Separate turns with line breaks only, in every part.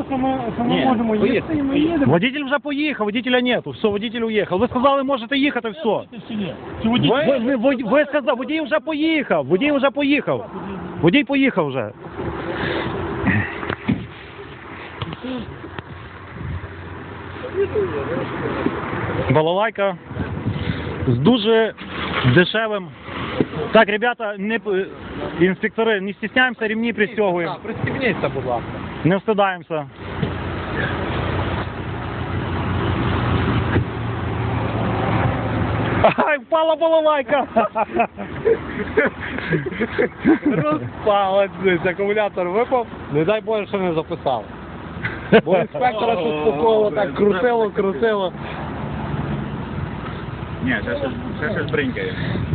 що ми можемо їхати, і ми їдемо.
Водитель вже поїхав, водителя нету. Все, водитель уїхав. Ви сказали, можете їхати, все. Ви сказали, водій вже поїхав. Водій вже поїхав. Водій поїхав вже. Балалайка з дуже дешевим. Так, ребята, інспектори, не стісняємося, ремні пристегуємо.
Пристегніться, будь ласка.
Не встидаємося. Ай, впала балалайка!
Розпалась, акумулятор випав, не дай Боже, що не записав. Бо інспектора тут спокійно так крутило.
Ні, це щось бринькає.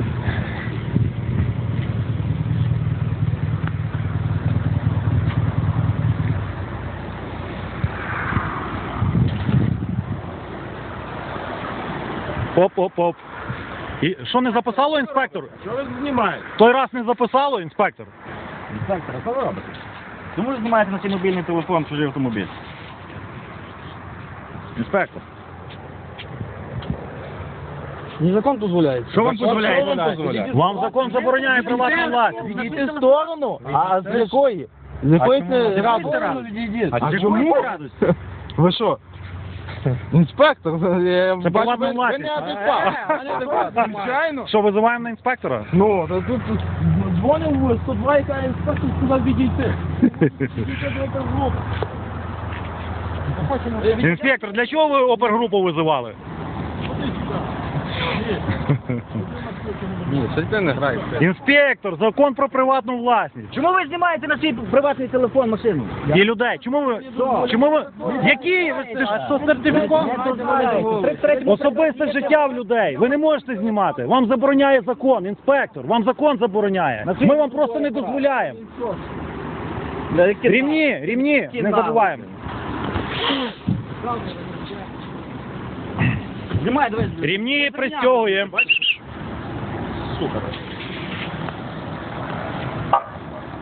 Оп. І що не записало, інспектор?
Що ви знімаєте?
Той раз не записало, інспектор?
Інспектор, що ви робите? Чому ви знімаєте на свій мобільний телефон чужий автомобіль? Інспектор.
Закон дозволяє.
Що вам дозволяє?
Вам закон забороняє приватну власність.
Відійти в сторону? А з якої? З якої це радості?
А чому?
Ви що? Інспектор,
Це приватна
ви
власність.
неадекватно. Звичайно.
Що, визиваємо на інспектора?
Ну, та тут дзвонив в 102, яка інспектор сказав відійти.
Інспектор, для чого ви опергрупу визивали?
Ні, це ти не граєш.
Інспектор, закон про приватну власність.
Чому ви знімаєте на свій приватний телефон машину?
І людей. Чому ви? Які?
А що сертифікат?
Особисте життя в людей. Ви не можете знімати. Вам забороняє закон, інспектор. Вам закон забороняє. Ми вам просто не дозволяємо. Рівні, не забуваємо.
Знімай, давай.
Рівні пристягуємо.
Сука.